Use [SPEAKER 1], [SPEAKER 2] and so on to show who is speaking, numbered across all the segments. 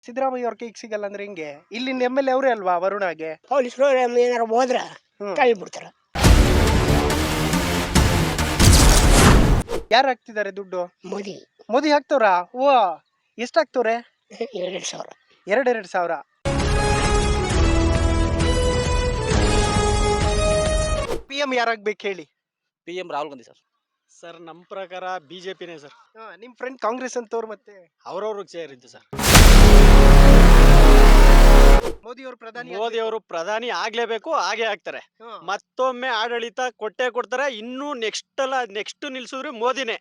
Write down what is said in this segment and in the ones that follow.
[SPEAKER 1] ಸಿದ್ದರಾಮಯ್ಯ ಅವ್ರ ಕೈಗೆ ಸಿಗಲ್ಲ ಅಂದ್ರೆ ಹೆಂಗೆ? ಇಲ್ಲಿನ MLA ಅವರೇ ಅಲ್ವಾ ವರುಣಾಗೆ?
[SPEAKER 2] ಪೊಲೀಸರು ಏನಾರು ಹೋದ್ರ ತಳ್ಳಿಬಿಡ್ತಾರ.
[SPEAKER 1] ಯಾರು ಹಾಕ್ತಿದ್ದಾರೆ ದುಡ್ಡು?
[SPEAKER 2] ಮೋದಿ
[SPEAKER 1] ಮೋದಿ ಹಾಕ್ತವ್ರಾ? ಓ, ಎಷ್ಟು ಹಾಕ್ತವ್ರೆ?
[SPEAKER 2] 2,000.
[SPEAKER 1] 2,000. PM ಯಾರಾಗ್ಬೇಕು ಹೇಳಿ?
[SPEAKER 3] PM Rahul Gandhi sir.
[SPEAKER 4] Sir ನಮ್ಮ ಪ್ರಕಾರ ಬಿಜೆಪಿನೇ ಸರ್.
[SPEAKER 1] ನಿಮ್ ಫ್ರೆಂಡ್ ಕಾಂಗ್ರೆಸ್ ಅಂತವ್ರು ಮತ್ತೆ
[SPEAKER 4] ಅವ್ರವ್ರಿಗೆ ಸೇರಿದ್ದು ಸರ್.
[SPEAKER 1] ಮೋದಿ ಅವರು ಪ್ರಧಾನಿ
[SPEAKER 4] ಮೋದಿ ಅವರು ಪ್ರಧಾನಿ ಆಗ್ಲೇಬೇಕು, ಹಾಗೆ ಆಗ್ತಾರೆ. ಮತ್ತೊಮ್ಮೆ ಆಡಳಿತ ಕೊಟ್ಟೆ ಕೊಡ್ತಾರೆ. ಇನ್ನು ನೆಕ್ಸ್ಟ್ ನಿಲ್ಸಿದ್ರೆ ಮೋದಿನೇ.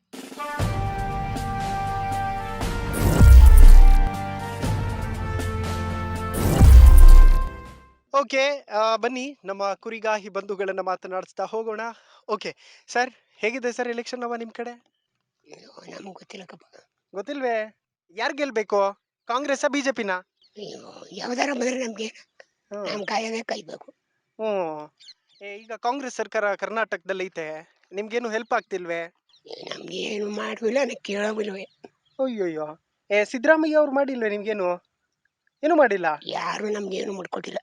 [SPEAKER 1] ಓಕೆ, ಬನ್ನಿ ನಮ್ಮ ಕುರಿಗಾಹಿ ಬಂಧುಗಳನ್ನ ಮಾತನಾಡಿಸ್ತಾ ಹೋಗೋಣ. ಓಕೆ ಸರ್, ಹೇಗಿದೆ ಸರ್ ಎಲೆಕ್ಷನ್ ನಿಮ್ ಕಡೆ?
[SPEAKER 2] ನಮ್ಗೆ ಗೊತ್ತಿಲ್ಲಕ್ಕಪ್ಪ.
[SPEAKER 1] ಗೊತ್ತಿಲ್ವೇ? ಯಾರು ಗೆಲ್ಬೇಕು? ಕಾಂಗ್ರೆಸ್ ಬಿಜೆಪಿನ?
[SPEAKER 2] ಯಾವ್ದಾರ ಬಂದ್ರೆ ನಮ್ಗೆ ನಮ್ ಕಾಯದೇ ಕಾಯ್ಬೇಕು.
[SPEAKER 1] ಈಗ ಕಾಂಗ್ರೆಸ್ ಸರ್ಕಾರ ಕರ್ನಾಟಕದಲ್ಲಿ ಐತೆ, ನಿಮ್ಗೇನು ಹೆಲ್ಪ್ ಆಗ್ತಿಲ್ವೇ?
[SPEAKER 2] ನಮ್ಗೆ ಏನು ಮಾಡುವಿಲ್ಲ, ಕೇಳೋವಿಲ್ವೇ.
[SPEAKER 1] ಅಯ್ಯೋಯ್ಯೋ, ಸಿದ್ದರಾಮಯ್ಯ ಅವ್ರು ಮಾಡಿಲ್ವೇ ನಿಮ್ಗೇನು? ಏನು ಮಾಡಿಲ್ಲ?
[SPEAKER 2] ಯಾರು ನಮ್ಗೆ ಏನು ಮಾಡ್ಕೊಟ್ಟಿಲ್ಲ.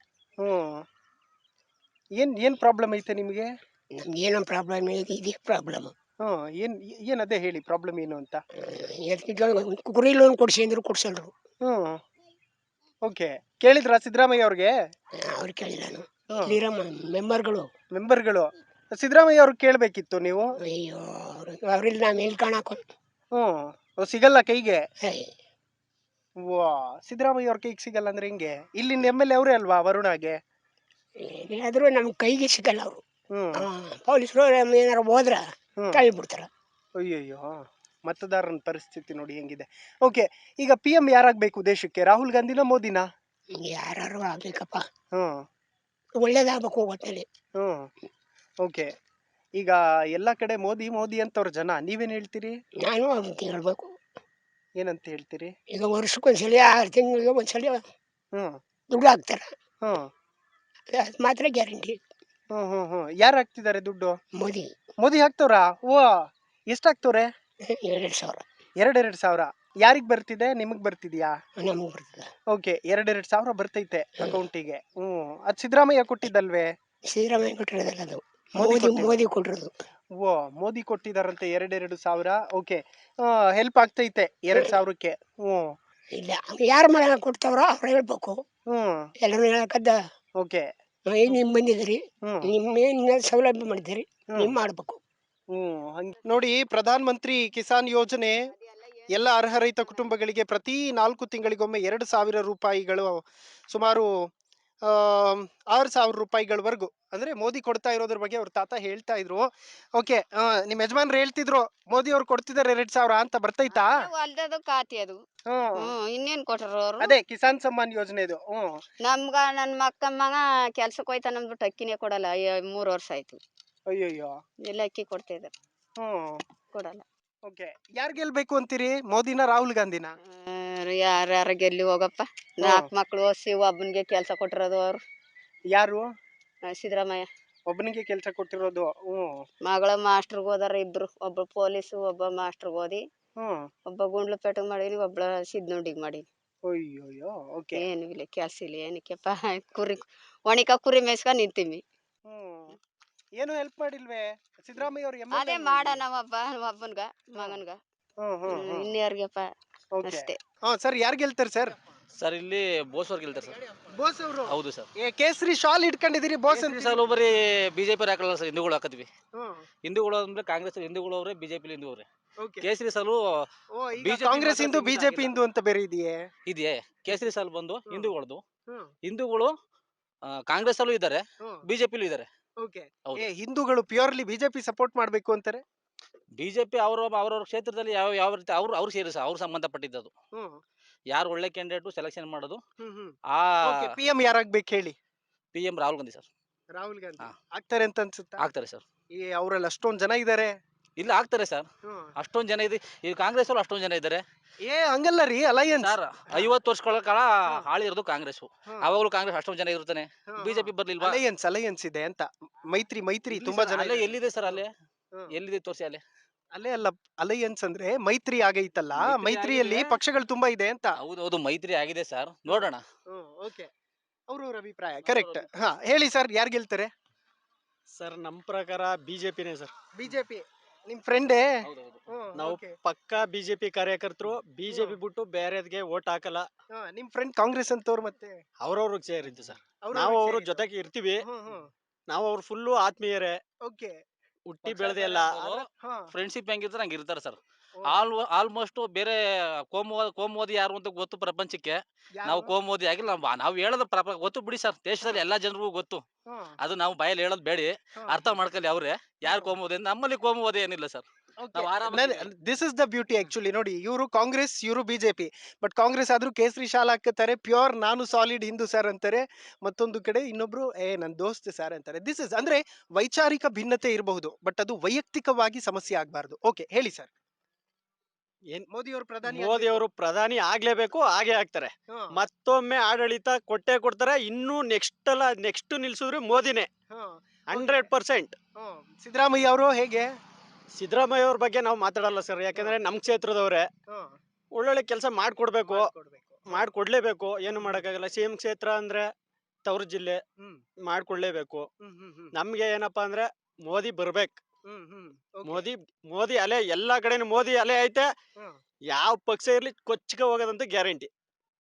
[SPEAKER 1] ಏನ್ ಪ್ರಾಬ್ಲಮ್ ಐತೆ ನಿಮ್ಗೆ?
[SPEAKER 2] ನಮ್ಗೇನೋ ಪ್ರಾಬ್ಲಮ್ ಇದೇ ಪ್ರಾಬ್ಲಮ್.
[SPEAKER 1] ಏನ್ ಅದೇ ಹೇಳಿ, ಪ್ರಾಬ್ಲಮ್ ಏನು ಅಂತ.
[SPEAKER 2] ಕುರಿ ಲೋನ್ ಕೊಡ್ಸಿ ಅಂದ್ರು ಕೊಡ್ಸಲ್ರು.
[SPEAKER 1] ಓಕೆ, ಕೇಳಿದ್ರ ಸಿದ್ದರಾಮಯ್ಯ ಅವ್ರಿಗೆ?
[SPEAKER 2] ಅವ್ರು ಕೇಳಿಲ್ಲ. ಇಲ್ಲಿರೋ ಮೆಂಬರ್ಗಳು
[SPEAKER 1] ಸಿದ್ದರಾಮಯ್ಯ ಅವ್ರಿಗೆ ಕೇಳ್ಬೇಕಿತ್ತು ನೀವು.
[SPEAKER 2] ಅಯ್ಯೋ, ಅವ್ರಿಲ್ಲ ನಾವ್ ಎಲ್ಲಿ ಕಾಣಾಕ.
[SPEAKER 1] ಸಿಗಲ್ಲ ಕೈಗೆ. ವಾ, ಸಿದ್ದರಾಮಯ್ಯ ಅವ್ರ ಕೈಗೆ ಸಿಗಲ್ಲ ಅಂದ್ರೆ ಹೆಂಗೆ? ಇಲ್ಲಿನ MLA ಅವರೇ ಅಲ್ವಾ ವರುಣಾಗೆ?
[SPEAKER 2] ಏನಾದ್ರೂ ನಮ್ ಕೈಗೆ ಸಿಗಲ್ಲ ಅವರು. ಪೊಲೀಸರು ಏನಾರು ಹೋದ್ರ ತಳ್ಳಿಬಿಡ್ತಾರ.
[SPEAKER 1] ಅಯ್ಯಯ್ಯೋ, ಮತದಾರನ ಪರಿಸ್ಥಿತಿ ನೋಡಿ ಹೆಂಗಿದೆ. ಓಕೆ, ಈಗ PM ಯಾರಾಗ್ಬೇಕು ದೇಶಕ್ಕೆ? ರಾಹುಲ್ ಗಾಂಧಿನ ಮೋದಿನ?
[SPEAKER 2] ಯಾರು ಆಗ್ಬೇಕಪ್ಪ, ಒಳ್ಳೇದಾಗ್ಬೇಕು ಒಟ್ಟಲ್ಲಿ.
[SPEAKER 1] ಓಕೆ, ಈಗ ಎಲ್ಲಾ ಕಡೆ ಮೋದಿ ಮೋದಿ ಅಂತವ್ರ ಜನ, ನೀವೇನ್ ಹೇಳ್ತೀರಿ?
[SPEAKER 2] ನಾನು ಅಂತ ಹೇಳ್ಬೇಕು.
[SPEAKER 1] ಏನಂತ ಹೇಳ್ತೀರಿ?
[SPEAKER 2] ಈಗ ವರ್ಷಕ್ಕೊಂದ್ಸಲಿ 6 ತಿಂಗಳಿಗೆ ಒಂದ್ಸಲಿ ದುಡ್ಡು ಹಾಕ್ತಾರ, ಅದು ಮಾತ್ರ ಗ್ಯಾರಂಟಿ.
[SPEAKER 1] ಯಾರು ಹಾಕ್ತಿದ್ದಾರೆ ದುಡ್ಡು?
[SPEAKER 2] ಮೋದಿ
[SPEAKER 1] ಹಾಕ್ತವ್ರಾ? ಓ, ಎಷ್ಟು ಹಾಕ್ತವ್ರೆ?
[SPEAKER 2] 2,000.
[SPEAKER 1] 2,000. ಯಾರಿಗ್ ಬರ್ತಿದೆ? ನಿಮಗ್ ಬರ್ತಿದ್ಯಾ?
[SPEAKER 2] ನಮಗ್ ಬರ್ತದ.
[SPEAKER 1] ಓಕೆ, 2,000 ಬರ್ತೈತೆ ಅಕೌಂಟಿಗೆ. ಅದ್ ಸಿದ್ದರಾಮಯ್ಯ ಕೊಟ್ಟಿದ್ದಲ್ವೇ?
[SPEAKER 2] ಸಿದ್ದರಾಮಯ್ಯ ಕೊಟ್ಟಿರೋದಲ್ಲ, ಅದು ಮೋದಿ ಕೊಟ್ಟಿರೋದು.
[SPEAKER 1] ಓ, ಮೋದಿ ಕೊಟ್ಟಿದಾರಂತೆ 2,000. ಓಕೆ, ಹೆಲ್ಪ್ ಆಗ್ತೈತೆ 2,000ಕ್ಕೆ.
[SPEAKER 2] ಇಲ್ಲ, ಯಾರ ಮನೆ ಕೊಡ್ತಾವ್ರೋ ಅವ್ರು ಹೇಳ್ಬೇಕು. ಎಲ್ಲರೂ ಹೇಳಕ್ಕದ್ದ.
[SPEAKER 1] ಓಕೆ,
[SPEAKER 2] ನಿಮ್ ಬಂದಿದ್ರಿ, ನಿಮ್ಮೇನ್ ಸೌಲಭ್ಯ ಮಾಡಿದಿರಿ, ನಿಮ್ ಮಾಡ್ಬೇಕು.
[SPEAKER 1] ನೋಡಿ, ಪ್ರಧಾನ ಮಂತ್ರಿ ಕಿಸಾನ್ ಯೋಜನೆ ಎಲ್ಲ ಅರ್ಹ ರೈತ ಕುಟುಂಬಗಳಿಗೆ ಪ್ರತಿ 4 ತಿಂಗಳಿಗೊಮ್ಮೆ 2,000 ರೂಪಾಯಿಗಳು, ಸುಮಾರು 6,000 ರೂಪಾಯಿಗಳವರೆಗೂ ಅಂದ್ರೆ ಮೋದಿ ಕೊಡ್ತಾ ಇರೋದ್ರ ಬಗ್ಗೆ ಅವ್ರ ತಾತ ಹೇಳ್ತಾ ಇದ್ರು. ಓಕೆ, ನಿಮ್ ಯಜಮಾನ್ರು ಹೇಳ್ತಿದ್ರು ಮೋದಿ ಅವ್ರು ಕೊಡ್ತಿದಾರೆ 2,000 ಅಂತ. ಬರ್ತೈತಾ?
[SPEAKER 5] ಖಾತೆ ಅದು. ಇನ್ನೇನ್ ಕೊಟ್ಟರು ಅವರು?
[SPEAKER 1] ಅದೇ ಕಿಸಾನ್ ಸಮ್ಮಾನ್ ಯೋಜನೆ ಇದು.
[SPEAKER 5] ನಮ್ಗ ನನ್ ಮಗ ಕೆಲ್ಸಕ್ಕೆ ಹೋಯ್ತಾನ ಅಂದ್ಬಿಟ್ಟು ಅಕ್ಕಿನೇ ಕೊಡಲ್ಲ. 3 ವರ್ಷ ಆಯ್ತು.
[SPEAKER 1] ಅಯ್ಯಯ್ಯೋ,
[SPEAKER 5] ಎಲ್ಲ ಅಕ್ಕಿ ಕೊಡ್ತಿದ್ದಾರೆ, ಕೊಡಲ್ಲ.
[SPEAKER 1] ಓಕೆ, ಯಾರ್ ಗೆಲ್ಬೇಕು ಅಂತೀರಿ? ಮೋದಿನ ರಾಹುಲ್ ಗಾಂಧಿನ?
[SPEAKER 5] ಯಾರ ಗೆಲ್ಲಿ ಹೋಗಪ್ಪ. 4 ಮಕ್ಳು ಓದಿಸಿ ಒಬ್ಬನಿಗೆ ಕೆಲ್ಸ ಕೊಟ್ಟಿರೋದು ಅವ್ರು.
[SPEAKER 1] ಯಾರು?
[SPEAKER 5] ಸಿದ್ದರಾಮಯ್ಯ
[SPEAKER 1] ಒಬ್ಬನಿಗೆ ಕೆಲ್ಸ ಕೊಟ್ಟಿರೋದು.
[SPEAKER 5] ಮಗಳ ಮಾಸ್ಟರ್ಗೆ ಹೋದಾರ ಇಬ್ರು, ಒಬ್ಬ ಪೊಲೀಸು, ಒಬ್ಬ ಮಾಸ್ಟರ್ಗೆ ಓದಿ, ಒಬ್ಬ ಗುಂಡ್ಲುಪೇಟೆಗೆ ಮಾಡೀನಿ, ಒಬ್ಬ ಸಿದ್ನೋಡಿಗೆ ಮಾಡೀನಿ.
[SPEAKER 1] ಅಯ್ಯೋಯ್ಯೋ, ಓಕೆ.
[SPEAKER 5] ಏನು ಇಲ್ಲ, ಕೆಲ್ಸ ಇಲ್ಲ, ಏನಕ್ಕೆಪ್ಪ. ಕುರಿ ಮೇಯ್ಸ್ಕ ನಿಂತೀವಿ.
[SPEAKER 1] ಏನು ಹೆಲ್ಪ್ ಮಾಡಿಲ್ವೇ ಸಿದ್ದರಾಮಯ್ಯ ಅವ್ರು?
[SPEAKER 5] ಅದೇ ಮಾಡೋಣ ಒಬ್ಬನ್ಗ ಮಗನ್ಗ, ಇನ್ಯಾರ್ಗಪ್ಪ ಅಷ್ಟೇ.
[SPEAKER 1] ಸರ್, ಯಾರು ಗೆಲ್ತಾರೆ ಸರ್?
[SPEAKER 3] ಸರ್, ಇಲ್ಲಿ ಬೋಸ್ ಅವ್ರು ಗೆಲ್ತಾರೆ ಸರ್.
[SPEAKER 1] ಬೋಸ್ ಅವರು?
[SPEAKER 3] ಹೌದು ಸರ್.
[SPEAKER 1] ಕೇಸರಿ ಶಾಲ್ ಇಟ್ಕೊಂಡಿದ್ದೀರಿ, ಬೋಸ್ ಅಂತ.
[SPEAKER 3] ಸರ್, ಬರೀ ಬಿಜೆಪಿ ಹಾಕಲ್ಲ ಸರ್, ಹಿಂದೂಗಳು ಹಾಕತ್ವಿ. ಹಿಂದೂಗಳು ಅಂದ್ರೆ ಕಾಂಗ್ರೆಸ್ ಹಿಂದೂಗಳು ಅವ್ರೆ, ಬಿಜೆಪಿ ಹಿಂದೂ ಅವ್ರೆ. ಕೇಸರಿ ಸಾಲು
[SPEAKER 1] ಕಾಂಗ್ರೆಸ್ ಹಿಂದೂ, ಬಿಜೆಪಿ ಹಿಂದೂ ಅಂತ ಬೇರೆ ಇದೆಯೇ?
[SPEAKER 3] ಕೇಸರಿ ಸಾಲು ಬಂದು ಹಿಂದೂಗಳದು. ಹಿಂದೂಗಳು ಕಾಂಗ್ರೆಸ್ ಅಲ್ಲೂ ಇದ್ದಾರೆ, ಬಿಜೆಪಿಲೂ ಇದ್ದಾರೆ.
[SPEAKER 1] ಹಿಂದೂಗಳು ಪ್ಯೂರ್ಲಿ ಬಿಜೆಪಿ ಸಪೋರ್ಟ್ ಮಾಡ್ಬೇಕು ಅಂತಾರೆ.
[SPEAKER 3] ಬಿಜೆಪಿ ಅವ್ರವ್ರ ಕ್ಷೇತ್ರದಲ್ಲಿ ಯಾವ ರೀತಿ ಅವ್ರು ಸೇರಿಸ ಅವ್ರು ಸಂಬಂಧಪಟ್ಟಿದ್ದು. ಯಾರು ಒಳ್ಳೆ ಕ್ಯಾಂಡಿಡೇಟ್ ಸೆಲೆಕ್ಷನ್ ಮಾಡೋದು.
[SPEAKER 1] PM ಯಾರಾಗ್ಬೇಕು ಹೇಳಿ?
[SPEAKER 3] PM Rahul Gandhi sir.
[SPEAKER 1] ರಾಹುಲ್ ಗಾಂಧಿ ಆಗ್ತಾರೆ ಅಂತ ಅನ್ಸುತ್ತಾ?
[SPEAKER 3] ಆಗ್ತಾರೆ ಸರ್.
[SPEAKER 1] ಅವರಲ್ಲಿ ಅಷ್ಟೊಂದ್ ಜನ ಇದಾರೆ.
[SPEAKER 3] ಇಲ್ಲ, ಆಗ್ತಾರೆ ಸರ್. ಅಷ್ಟೊಂದ್ ಜನ ಇದೆ ಈ ಕಾಂಗ್ರೆಸ್ ಅಲ್ಲಿ, ಅಷ್ಟೊಂದ್ ಜನ ಇದ್ದಾರೆ.
[SPEAKER 1] ಹಂಗಲ್ಲ ರೀ, ಅಲಯನ್ಸ್
[SPEAKER 3] ಸರ್ 50 ವರ್ಷಗಳ ಕಾಲ ಆಳಿರೋದು ಕಾಂಗ್ರೆಸ್. ಅವಾಗಲೂ ಕಾಂಗ್ರೆಸ್ ಅಷ್ಟೊಂದ್ ಜನ ಇರ್ತಾನೆ, ಬಿಜೆಪಿ ಬರ್ಲಿಲ್ವಾ?
[SPEAKER 1] ಅಲಯನ್ಸ್ ಇದೆ ಅಂತ. ಮೈತ್ರಿ ತುಂಬಾ ಜನ
[SPEAKER 3] ಎಲ್ಲಿದೆ ಸರ್? ಅಲ್ಲೇ ಎಲ್ಲಿದೆ ತೋರಿಸಿ. ಅಲ್ಲೇ
[SPEAKER 1] ಅಲ್ಲೇ ಅಲ್ಲ, ಅಲೈಯನ್ಸ್ ಅಂದ್ರೆ ಮೈತ್ರಿ ಆಗೈತಲ್ಲ,
[SPEAKER 3] ಮೈತ್ರಿ
[SPEAKER 1] ಮೈತ್ರಿಯಲ್ಲಿ
[SPEAKER 3] ಆಗಿದೆ.
[SPEAKER 1] ಪಕ್ಷಗಳು ತುಂಬಾ ಇದೆ ಅಂತ.
[SPEAKER 3] ಹೌದು ಮೈತ್ರಿ ಆಗಿದೆ ಸರ್, ನೋಡೋಣ.
[SPEAKER 1] ಓಕೆ, ಅವ್ರವ್ರ ಅಭಿಪ್ರಾಯ ಕರೆಕ್ಟ್. ಹಾ, ಹೇಳಿ ಸರ್, ಯಾರು ಗೆಲ್ತಾರೆ?
[SPEAKER 4] ಸರ್ ನಮ್ಮ ಪ್ರಕಾರ ಬಿಜೆಪಿನೇ ಸರ್.
[SPEAKER 1] ಬಿಜೆಪಿ. ನಿಮ್ ಫ್ರೆಂಡೇ?
[SPEAKER 4] ನಾವು ಪಕ್ಕಾ ಬಿಜೆಪಿ ಕಾರ್ಯಕರ್ತರು. ಬಿಜೆಪಿ ಬಿಟ್ಟು ಬೇರೆದ್ಗೆ ವೋಟ್ ಹಾಕಲ್ಲ.
[SPEAKER 1] ನಿಮ್ ಫ್ರೆಂಡ್ ಕಾಂಗ್ರೆಸ್ ಅಂತವ್ರು ಮತ್ತೆ
[SPEAKER 4] ಅವ್ರವ್ರಿಗೆ ಸೇರಿದ್ದು ಸರ್. ನಾವು ಅವ್ರ ಜೊತೆಗೆ ಇರ್ತೀವಿ. ನಾವು ಅವ್ರ ಫುಲ್ಲು ಆತ್ಮೀಯರೇ,
[SPEAKER 1] ಓಕೆ.
[SPEAKER 4] ಹುಟ್ಟಿ ಬೆಳೆದೆ ಎಲ್ಲ.
[SPEAKER 3] ಫ್ರೆಂಡ್ಶಿಪ್ ಹೆಂಗಿರ್ತಾರೆ ಹಂಗೆ ಇರ್ತಾರೆ ಸರ್. ಆಲ್ಮೋಸ್ಟ್ ಬೇರೆ ಕೋಮುವಾದಿ ಯಾರು ಅಂತ ಗೊತ್ತು ಪ್ರಪಂಚಕ್ಕೆ. ನಾವು ಕೋಮುವಾದಿ ಆಗಿಲ್ಲ, ನಾವು ಹೇಳೋದು ಗೊತ್ತು ಬಿಡಿ ಸರ್, ದೇಶದಲ್ಲಿ ಎಲ್ಲಾ ಜನರಿಗೂ ಗೊತ್ತು. ಅದು ನಾವು ಬಾಯಲ್ಲಿ ಹೇಳೋದು ಬೇಡಿ, ಅರ್ಥ ಮಾಡ್ಕೊಳ್ಳಿ ಅವ್ರೆ ಯಾರು ಕೋಮುವಾದಿ. ನಮ್ಮಲ್ಲಿ ಕೋಮುವಾದಿ ಏನಿಲ್ಲ sir.
[SPEAKER 1] This is the beauty actually. ನೋಡಿ, ಇವರು ಕಾಂಗ್ರೆಸ್, ಇವರು ಬಿಜೆಪಿ. ಬಟ್ ಕಾಂಗ್ರೆಸ್ ಆದ್ರೂ ಕೇಸರಿ ಶಾಲ್ ಹಾಕುತ್ತಾರೆ, ಪ್ಯೂರ್ ನಾನು ಸಾಲಿಡ್ ಹಿಂದೂ ಸರ್ ಅಂತಾರೆ. ಮತ್ತೊಂದು ಕಡೆ ಇನ್ನೊಬ್ರು ನನ್ ದೋಸ್ತ್ ಸರ್ ಅಂತಾರೆ. ದಿಸ್ ಇಸ್ ಅಂದ್ರೆ ವೈಚಾರಿಕ ಭಿನ್ನತೆ ಇರಬಹುದು, ಬಟ್ ಅದು ವೈಯಕ್ತಿಕವಾಗಿ ಸಮಸ್ಯೆ ಆಗ್ಬಾರ್ದು. ಓಕೆ, ಹೇಳಿ ಸರ್. ಮೋದಿ ಅವರು
[SPEAKER 4] ಪ್ರಧಾನಿ ಆಗ್ಲೇಬೇಕು, ಹಾಗೆ ಆಗ್ತಾರೆ. ಮತ್ತೊಮ್ಮೆ ಆಡಳಿತ ಕೊಟ್ಟೆ ಕೊಡ್ತಾರೆ. ಇನ್ನು ನೆಕ್ಸ್ಟ್ ನಿಲ್ಸಿದ್ರೆ ಮೋದಿನೇ 100%.
[SPEAKER 1] ಸಿದ್ದರಾಮಯ್ಯ ಅವರು ಹೇಗೆ?
[SPEAKER 4] ಸಿದ್ದರಾಮಯ್ಯ ಅವ್ರ ಬಗ್ಗೆ ನಾವು ಮಾತಾಡಲ್ಲ ಸರ್, ಯಾಕಂದ್ರೆ ನಮ್ ಕ್ಷೇತ್ರದವ್ರೆ. ಒಳ್ಳೊಳ್ಳೆ ಕೆಲಸ ಮಾಡ್ಕೊಡ್ಬೇಕು, ಮಾಡ್ಕೊಡ್ಲೇಬೇಕು. ಏನು ಮಾಡಕ್ಕಾಗಲ್ಲ. ಸಿಎಂ ಕ್ಷೇತ್ರ ಅಂದ್ರೆ ತವರು ಜಿಲ್ಲೆ, ಮಾಡ್ಕೊಡ್ಲೇಬೇಕು. ನಮ್ಗೆ ಏನಪ್ಪಾ ಅಂದ್ರೆ ಮೋದಿ ಬರ್ಬೇಕು. ಮೋದಿ ಅಲೆ ಎಲ್ಲಾ ಕಡೆನೂ ಮೋದಿ ಅಲೆ ಐತೆ. ಯಾವ ಪಕ್ಷ ಇರ್ಲಿ ಕೊಚ್ಚಿಗೆ ಹೋಗೋದಂತ ಗ್ಯಾರಂಟಿ.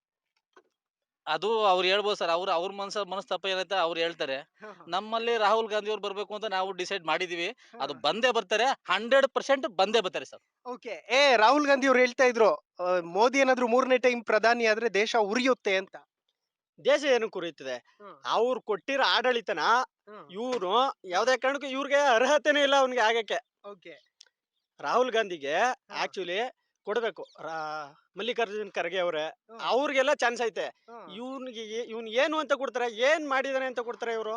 [SPEAKER 3] ಅದು ಅವ್ರು ಹೇಳ್ಬೋದು ಸರ್, ಅವ್ರ ಮನಸ್ತಾಪ ಏನೈತೆ ಅವ್ರು ಹೇಳ್ತಾರೆ. ನಮ್ಮಲ್ಲಿ ರಾಹುಲ್ ಗಾಂಧಿ ಅವ್ರು ಬರ್ಬೇಕು ಅಂತ ನಾವು ಡಿಸೈಡ್ ಮಾಡಿದೀವಿ. ಅದು ಬಂದೇ ಬರ್ತಾರೆ, 100% ಬಂದೇ ಬರ್ತಾರೆ ಸರ್.
[SPEAKER 1] ಓಕೆ. ರಾಹುಲ್ ಗಾಂಧಿ ಅವ್ರು ಹೇಳ್ತಾ ಇದ್ರು, ಮೋದಿ ಏನಾದ್ರು 3ನೇ ಟೈಮ್ ಪ್ರಧಾನಿ ಆದ್ರೆ ದೇಶ ಉರಿಯುತ್ತೆ ಅಂತ.
[SPEAKER 4] ದೇಶ ಏನು ಕುರಿಯುತ್ತದೆ? ಅವ್ರು ಕೊಟ್ಟಿರೋ ಆಡಳಿತನ ಇವ್ರು ಯಾವ್ದೇ ಕಾರಣಕ್ಕೂ ಇವ್ರಿಗೆ ಅರ್ಹತೆನೇ ಇಲ್ಲ ಅವ್ನಿಗೆ ಆಗಕ್ಕೆ. ರಾಹುಲ್ ಗಾಂಧಿಗೆ ಆಕ್ಚುಲಿ ಕೊಡ್ಬೇಕು. ಮಲ್ಲಿಕಾರ್ಜುನ್ ಖರ್ಗೆ ಅವ್ರೆ, ಅವ್ರಿಗೆಲ್ಲ ಚಾನ್ಸ್ ಐತೆ. ಇವ್ನ್ ಏನು ಅಂತ ಕೊಡ್ತಾರೆ, ಏನ್ ಮಾಡಿದಾನೆ ಅಂತ ಕೊಡ್ತಾರೆ ಇವ್ರು?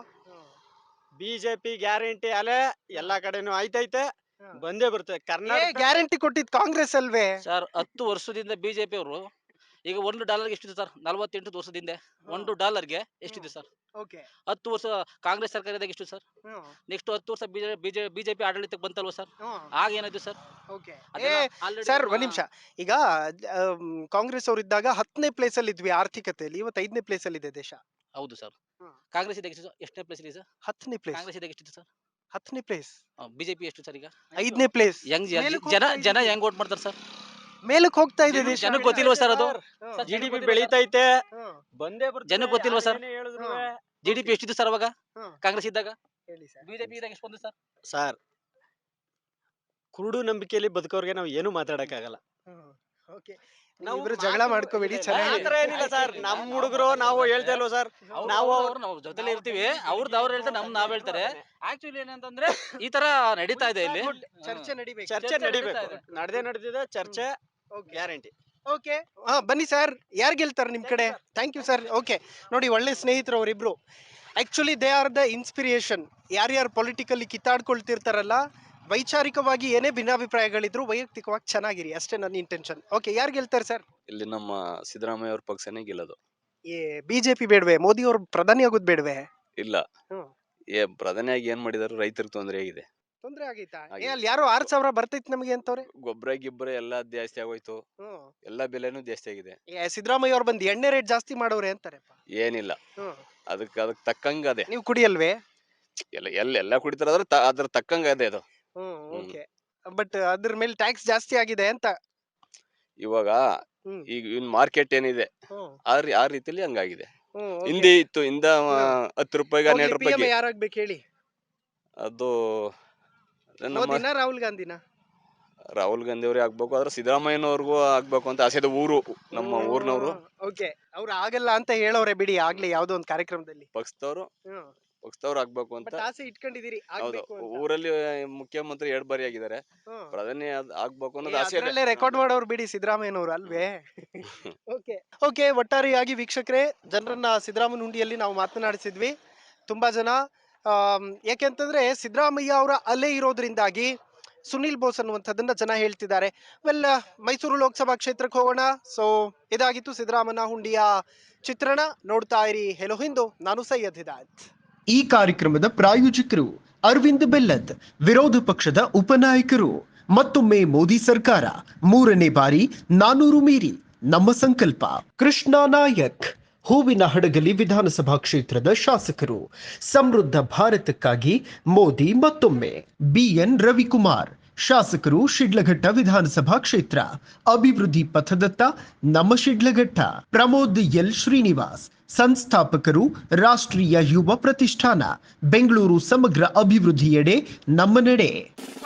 [SPEAKER 4] ಬಿಜೆಪಿ ಗ್ಯಾರಂಟಿ ಅಲೆ ಎಲ್ಲಾ ಕಡೆನೂ ಐತೈತೆ, ಬಂದೇ ಬರ್ತದೆ. ಕರ್ನಾಟಕ
[SPEAKER 1] ಗ್ಯಾರಂಟಿ ಕೊಟ್ಟಿದ್ ಕಾಂಗ್ರೆಸ್ ಅಲ್ವೇ
[SPEAKER 3] ಸರ್? 10 ವರ್ಷದಿಂದ ಬಿಜೆಪಿ ಅವರು, ಈಗ $1 ಎಷ್ಟಿದೆ ಸರ್? 48 ವರ್ಷದಿಂದ $1 ಎಷ್ಟಿದೆ ಸರ್? 10 ವರ್ಷ ಕಾಂಗ್ರೆಸ್ ಸರ್ಕಾರದಾಗ ಎಷ್ಟು ಸರ್? ನೆಕ್ಸ್ಟ್ 10 ವರ್ಷ ಬಿಜೆಪಿ ಆಡಳಿತಕ್ಕೆ ಬಂತಲ್ವ ಸರ್? ಆಗ ಏನಾಯ್ತು ಸರ್?
[SPEAKER 1] ಸರ್, ಒಂದ್ ನಿಮಿಷ. ಈಗ ಕಾಂಗ್ರೆಸ್ ಅವ್ರು ಇದ್ದಾಗ 10ನೇ ಪ್ಲೇಸ್ ಅಲ್ಲಿ ಇದ್ವಿ ಆರ್ಥಿಕತೆಯಲ್ಲಿ, ಇವತ್ತು 5ನೇ ಪ್ಲೇಸ್ ಅಲ್ಲಿ ಇದೆ ದೇಶ.
[SPEAKER 3] ಹೌದು ಸರ್. ಕಾಂಗ್ರೆಸ್ ಇದ್ದಾಗ ಎಷ್ಟು? ಎಷ್ಟನೇ ಪ್ಲೇಸ್ ಇದೆ ಸರ್?
[SPEAKER 1] 10ನೇ ಪ್ಲೇಸ್.
[SPEAKER 3] ಕಾಂಗ್ರೆಸ್ ಇದ್ದಾಗ ಎಷ್ಟಿದೆ ಸರ್?
[SPEAKER 1] 10ನೇ ಪ್ಲೇಸ್.
[SPEAKER 3] ಬಿಜೆಪಿ ಎಷ್ಟು ಸರ್ ಈಗ?
[SPEAKER 1] 5ನೇ ಪ್ಲೇಸ್.
[SPEAKER 3] ಜನ ಹೆಂಗ್ ವೋಟ್ ಮಾಡ್ತಾರೆ ಸರ್?
[SPEAKER 1] ಮೇಲಕ್ಕೆ ಹೋಗ್ತಾ ಇದೆ ದೇಶ.
[SPEAKER 3] ಜನಕ್ಕೆ ಗೊತ್ತಿಲ್ವಾ ಸರ್ ಅದು?
[SPEAKER 4] ಜಿಡಿಪಿ ಬೆಳೀತೈತೆ, ಬಂದೇ ಬರ್ತದೆ.
[SPEAKER 3] ಜನಕ್ಕೆ ಗೊತ್ತಿಲ್ವಾ ಸರ್? ಜಿಡಿಪಿ ಎಷ್ಟಿದೆ ಸರ್ ಅವಾಗ ಕಾಂಗ್ರೆಸ್ ಇದ್ದಾಗ? ಬಿಜೆಪಿ ಇದ್ದಾಗ ಎಷ್ಟು ಬಂದಿದೆ ಸರ್?
[SPEAKER 4] ಸರ್, ಕುರುಡು ನಂಬಿಕೆಯಲ್ಲಿ ಬದುಕೋರ್ಗೆ ನಾವು ಏನು ಮಾತಾಡಕ್ಕಾಗಲ್ಲ.
[SPEAKER 1] ಇಬ್ರು ಜಗಳ ಮಾಡ್ಕೋಬೇಡಿ,
[SPEAKER 4] ಏನಿಲ್ಲ ಸರ್. ನಮ್ ಹುಡುಗರು ನಾವು ಹೇಳ್ತಾ ಇಲ್ವ ಸರ್, ನಾವು
[SPEAKER 3] ಜೊತೆಲಿ ಇರ್ತೀವಿ. ಅವ್ರದ್ದು ಅವ್ರು ಹೇಳ್ತಾರೆ, ನಾವ್ ಹೇಳ್ತಾರೆ. ಆಕ್ಚುಲಿ ಏನಂತಂದ್ರೆ ಈ ತರ ನಡೀತಾ ಇದೆ ಇಲ್ಲಿ.
[SPEAKER 1] ಚರ್ಚೆ ನಡಿಬೇಕು.
[SPEAKER 4] ನಡೆದಿದೆ ಚರ್ಚೆ, ಗ್ಯಾರಂಟಿ.
[SPEAKER 1] ಓಕೆ, ಬನ್ನಿ ಸರ್, ಯಾರು ಗೆಲ್ತಾರೆ ನಿಮ್ ಕಡೆ? Thank you sir. ಓಕೆ, ನೋಡಿ, ಒಳ್ಳೆ ಸ್ನೇಹಿತರು ಅವರಿಬ್ರು. Actually they are the inspiration. ಯಾರ್ಯಾರು ಪೊಲಿಟಿಕಲಿ ಕಿತ್ತಾಡ್ಕೊಳ್ತಿರ್ತಾರಲ್ಲ, ವೈಚಾರಿಕವಾಗಿ ಏನೇ ಭಿನ್ನಾಭಿಪ್ರಾಯಗಳಿದ್ರು ವೈಯಕ್ತಿಕವಾಗಿ ಚೆನ್ನಾಗಿರಿ, ಅಷ್ಟೇ ನನ್ನ ಇಂಟೆನ್ಷನ್. ಓಕೆ, ಯಾರು ಗೆಲ್ತಾರೆ ಸರ್?
[SPEAKER 6] ಇಲ್ಲಿ ನಮ್ಮ ಸಿದ್ದರಾಮಯ್ಯ ಅವ್ರ ಪಕ್ಷನೇ ಗೆಲ್ಲೋದು.
[SPEAKER 1] ಬಿಜೆಪಿ ಬೇಡವೆ? ಮೋದಿ ಅವ್ರು ಪ್ರಧಾನಿ ಆಗೋದು ಬೇಡವೆ?
[SPEAKER 6] ಇಲ್ಲ, ಪ್ರಧಾನಿಯಾಗಿ ಏನ್ ಮಾಡಿದಾರೆ? ರೈತರಿಗೆ ತೊಂದರೆ ಆಗಿದೆ.
[SPEAKER 1] ತೊಂದರೆ ಆಗೈತಾ? ಅಲ್ಲಿ ಯಾರೋ 6,000 ಬರ್ತೈತಿ ನಮಗೆ ಅಂತವ್ರೆ.
[SPEAKER 6] ಗೊಬ್ಬರ ಎಲ್ಲಾ ಜಾಸ್ತಿ ಆಗೋಯ್ತು, ಎಲ್ಲಾ ಬೆಲೆನೂ ಜಾಸ್ತಿ ಆಗಿದೆ.
[SPEAKER 1] ಸಿದ್ದರಾಮಯ್ಯ ಅವ್ರು ಬಂದು ಎಣ್ಣೆ ರೇಟ್ ಜಾಸ್ತಿ ಮಾಡೋರೆ ಅಂತಾರೆ.
[SPEAKER 6] ಏನಿಲ್ಲ, ಅದಕ್ಕೆ ತಕ್ಕಂಗ ಅದೇ.
[SPEAKER 1] ನೀವು ಕುಡಿಯಲ್ವೇ?
[SPEAKER 6] ಎಲ್ಲ ಕುಡಿತಾರ, ಅದ್ರ ತಕ್ಕಂಗ ಅದೇ ಅದು.
[SPEAKER 1] ಓಕೆ, ಬಟ್ ಅದ್ರ ಮೇಲೆ ಟ್ಯಾಕ್ಸ್ ಜಾಸ್ತಿ ಆಗಿದೆ ಅಂತ.
[SPEAKER 6] ಇವಾಗ ಈಗ ಮಾರ್ಕೆಟ್ ಏನಿದೆ ಆ ರೀತಿಲಿ ಹಂಗಾಗಿದೆ. ಹಿಂದೆ ಇತ್ತು, 10 ರೂಪಾಯಿಗೆ 12 ರೂಪಾಯಿಗೆ.
[SPEAKER 1] ಯಾರಾಗ್ಬೇಕು ಹೇಳಿ?
[SPEAKER 6] ಅದು
[SPEAKER 1] ರಾಹುಲ್ ಗಾಂಧಿನ?
[SPEAKER 6] ರಾಹುಲ್ ಗಾಂಧಿ ಅವ್ರಿಗೆ ಆಗ್ಬೇಕು, ಆದ್ರೆ ಸಿದ್ದರಾಮಯ್ಯನವ್ರಿಗೂ ಆಗ್ಬೇಕು ಅಂತ ಆಸೆ. ನಮ್ಮ ಊರ್ನವ್ರು.
[SPEAKER 1] ಓಕೆ, ಅವ್ರು ಆಗಲ್ಲ ಅಂತ ಹೇಳೋರೆ ಬಿಡಿ, ಆಗ್ಲಿ ಯಾವ್ದೋ ಒಂದು ಕಾರ್ಯಕ್ರಮದಲ್ಲಿ.
[SPEAKER 6] ಪಕ್ಷದವ್ರು ಆಗ್ಬೇಕು ಅಂತ
[SPEAKER 1] ಆಸೆ ಇಟ್ಕೊಂಡಿದೀರಿ.
[SPEAKER 6] ಊರಲ್ಲಿ ಮುಖ್ಯಮಂತ್ರಿ 2 ಬಾರಿ ಆಗಿದ್ದಾರೆ, ಪ್ರಧಾನಿ ಆಗ್ಬೇಕು ಅನ್ನೋದು ಆಸೆ.
[SPEAKER 1] ರೆಕಾರ್ಡ್ ಮಾಡೋರು ಬಿಡಿ ಸಿದ್ದರಾಮಯ್ಯನವ್ರು ಅಲ್ವೇ? ಓಕೆ, ಒಟ್ಟಾರೆಯಾಗಿ ವೀಕ್ಷಕರೇ, ಜನರನ್ನ ಸಿದ್ದರಾಮಯ್ಯ ಹುಂಡಿಯಲ್ಲಿ ನಾವು ಮಾತನಾಡಿಸಿದ್ವಿ. ತುಂಬಾ ಜನ ಯಾಕೆಂತಂದ್ರೆ ಸಿದ್ದರಾಮಯ್ಯ ಅವರ ಅಲೆ ಇರೋದ್ರಿಂದಾಗಿ ಸುನಿಲ್ ಬೋಸ್ ಅನ್ನುವಂಥದ್ದನ್ನ ಜನ ಹೇಳ್ತಿದ್ದಾರೆ. ಮೈಸೂರು ಲೋಕಸಭಾ ಕ್ಷೇತ್ರಕ್ಕೆ ಹೋಗೋಣ. ಸೊ ಇದಾಗಿತ್ತು ಸಿದ್ದರಾಮಯ್ಯ ಹುಂಡಿಯ ಚಿತ್ರಣ. ನೋಡ್ತಾ ಇರಿ ಹೆಲೋ ಹಿಂದೂ, ನಾನು ಸೈಯದ್ ಹಿದಾಯತ್. ಈ ಕಾರ್ಯಕ್ರಮದ ಪ್ರಾಯೋಜಕರು ಅರವಿಂದ್ ಬೆಲ್ಲದ್, ವಿರೋಧ ಪಕ್ಷದ ಉಪನಾಯಕರು.
[SPEAKER 7] ಮತ್ತೊಮ್ಮೆ ಮೋದಿ ಸರ್ಕಾರ 3ನೇ ಬಾರಿ 400 ಮೀರಿ ನಮ್ಮ ಸಂಕಲ್ಪ. ಕೃಷ್ಣ ನಾಯಕ್, ಹೂವಿನ ಹಡಗಲಿ ವಿಧಾನಸಭಾ ಕ್ಷೇತ್ರದ ಶಾಸಕರು. ಸಮೃದ್ಧ ಭಾರತಕ್ಕಾಗಿ ಮೋದಿ ಮತ್ತೊಮ್ಮೆ. BN ರವಿಕುಮಾರ್, ಶಾಸಕರು, ಶಿಡ್ಲಘಟ್ಟ ವಿಧಾನಸಭಾ ಕ್ಷೇತ್ರ. ಅಭಿವೃದ್ಧಿ ಪಥದತ್ತ ನಮ್ಮ ಶಿಡ್ಲಘಟ್ಟ. ಪ್ರಮೋದ್ ಎಲ್ ಶ್ರೀನಿವಾಸ್, ಸಂಸ್ಥಾಪಕರು, ರಾಷ್ಟ್ರೀಯ ಯುವ ಪ್ರತಿಷ್ಠಾನ. ಬೆಂಗಳೂರು ಸಮಗ್ರ ಅಭಿವೃದ್ಧಿಯೆಡೆ ನಮ್ಮ ನಡೆ.